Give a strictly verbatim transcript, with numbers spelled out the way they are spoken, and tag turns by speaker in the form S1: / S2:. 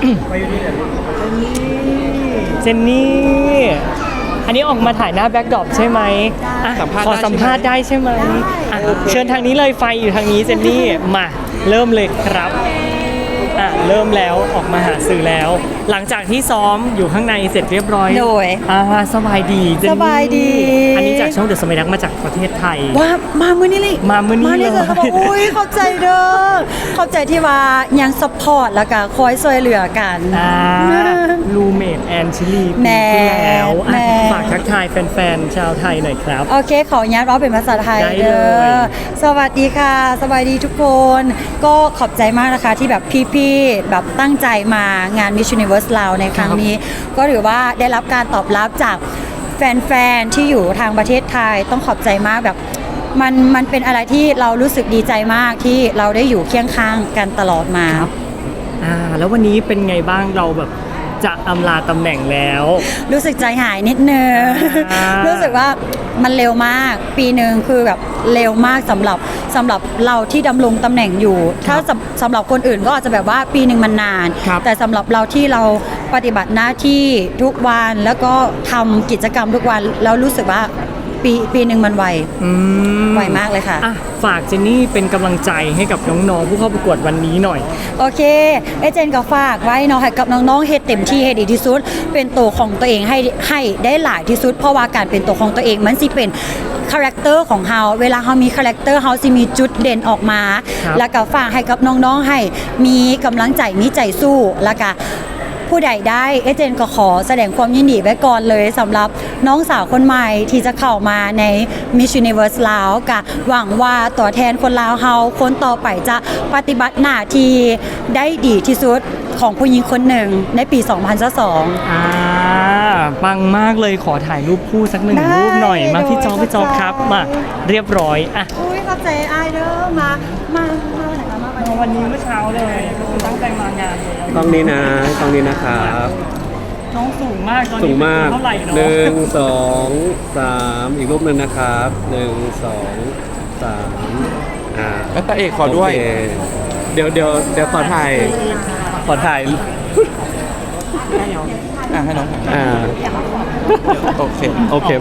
S1: เจนนี่อันนี้ออกมาถ่ายหน้าแบ็คดรอปใช่ไหมอ่ะขอสัมภาษณ์ได้ใช่ไหมอ่ะเชิญทางนี้เลยไฟอยู่ทางนี้เจนนี่มาเริ่มเลยครับอ่ะเริ่มแล้วออกมาหาสื่อแล้ว หลังจากที่ซ้อมอยู่ข้างในเสร็จเรียบร้อย
S2: โดย
S1: อ่าสบายดีเจนนี่
S2: สบายดี
S1: อันนี้จากช่องเดอะสมัยนักมาจากประเทศไทย
S2: ว่ามามื้อนี้เลย
S1: มามื้อนี้
S2: มานี่
S1: เลย
S2: เขาบอกอุ้ยเข้าใจเด้อเข้าใจที่ว่ายังซัพพอร์ตแล้วก็คอยช่วยเหลือกัน
S1: อ่าลูเมดแอนชิลี
S2: แม่
S1: ปีที่แล้วอ่ะ
S2: แม่
S1: ฝากทักทายแฟนๆชาวไทยหน่อยครับ
S2: โอเค ขออนุญาตร้องเป็นภาษาไทย
S1: ได้
S2: เด้
S1: เล
S2: อย สวัสดีค่ะ สวัสดีทุกคน ก็ขอบใจมากนะคะที่แบบพี่ๆแบบตั้งใจมางาน Miss Universe เราในครั้งนี้ ก็ถือว่าได้รับการตอบรับจากแฟนๆที่อยู่ทางประเทศไทยต้องขอบใจมากแบบมันมันเป็นอะไรที่เรารู้สึกดีใจมากที่เราได้อยู่เคียงข้างกันตลอดมา
S1: อ่าแล้ววันนี้เป็นไงบ้างเราแบบจะอำลาตำแหน่งแล้ว
S2: รู้สึกใจหายนิดนึง
S1: อ่า
S2: รู้สึกว่ามันเร็วมาก ปีหนึ่งคือแบบเร็วมากสำหรับสำหรับเราที่ดำรงตำแหน่งอยู่ ถ้าสำสำหรับคนอื่นก็อาจจะแบบว่าปีหนึ่งมันนาน
S1: ครับ
S2: แต่สำหรับเราที่เราปฏิบัติหน้าที่ทุกวันแล้วก็ทำกิจกรรมทุกวันแล้วรู้สึกว่าปีปีหนึ่งมันไว
S1: อืม
S2: ไวมากเลยค่ะ
S1: อ่ะฝากเจนนี่เป็นกำลังใจให้กับน้องๆผู้เข้าประกวดวันนี้หน่อย
S2: โอเคเอเจนก็ฝากไว้เนาะให้กับน้องๆเฮ็ดเต็มที่ให้ดีที่สุด เป็นตัวของตัวเองให้ให้ได้หลายที่สุด เพราะว่าการเป็นตัวของตัวเองมันสิเป็นคาแรคเตอร์ของเฮาเวลาเฮามีคาแรคเตอร์เฮาสิมีจุดเด่นออกมา
S1: ครับ
S2: แล้วก็ฝากให้กับน้องๆให้มีกำลังใจมีใจสู้แล้วก็ผู้ใดได้เอเจนก็ขอแสดงความยินดีไว้ก่อนเลยสำหรับน้องสาวคนใหม่ที่จะเข้ามาใน Miss Universe ลาวกะหวังว่าตัวแทนคนลาวเฮาคนต่อไปจะปฏิบัติหน้าที่ได้ดีที่สุดของผู้หญิงคนหนึ่งในปี สองพันยี่สิบสอง
S1: อ่าปังมากเลยขอถ่ายรูปคู่สักหนึ่ง
S2: ได้
S1: รูปหน่อยมาพี่จอ
S2: โดย
S1: พี่จอ
S2: เข้าใจ
S1: ครับมาเรียบร้อยอ่ะ
S2: อุ้ยขอบใจอายเด้อมามามาไหนคะมา
S1: วันนี้เมื่อเช้าเลยตั้งใจมางานเลย
S3: กล้องนี้นะกล้องนี้นะครับ
S1: น้องสูงมากตอน
S3: สู
S1: นี้
S3: งมาก
S1: เท่าไหร่เนาะ
S3: หนึ่งสองสามอีกรูปหนึ่งนะครับหนึ่งสองสามอ่า
S4: แล้วตาเอกขอด้วย
S3: โเคเดี๋ยวเดี๋ยวเดี๋ยวขอถ่ายขอถ่าย
S4: อ่ะให้น้องถ่าย
S3: อ่า
S4: โอเค
S3: โอเค